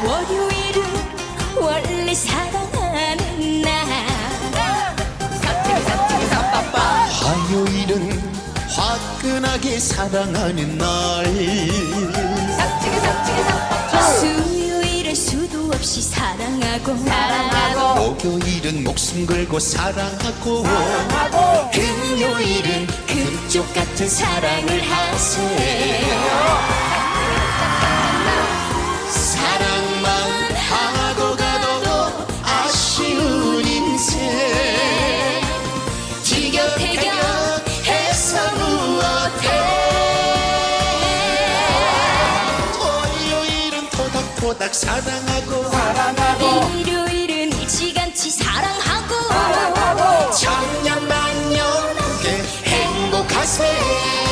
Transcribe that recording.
월요일은 원래 사랑하는 날. 화요일은 화끈하게 사랑하는 날. 수요일은 수도 없이 사랑하고 목요일은 목숨 걸고 사랑하고 금요일은 금쪽 같은 사랑을 하세요. 사랑만 하고 가도 아쉬운 인생 티격태격해서 무엇해. 토요일은 토닥토닥 사랑하고 일요일은 일찌감치 사랑하고 천년만년 함께 행복하세요.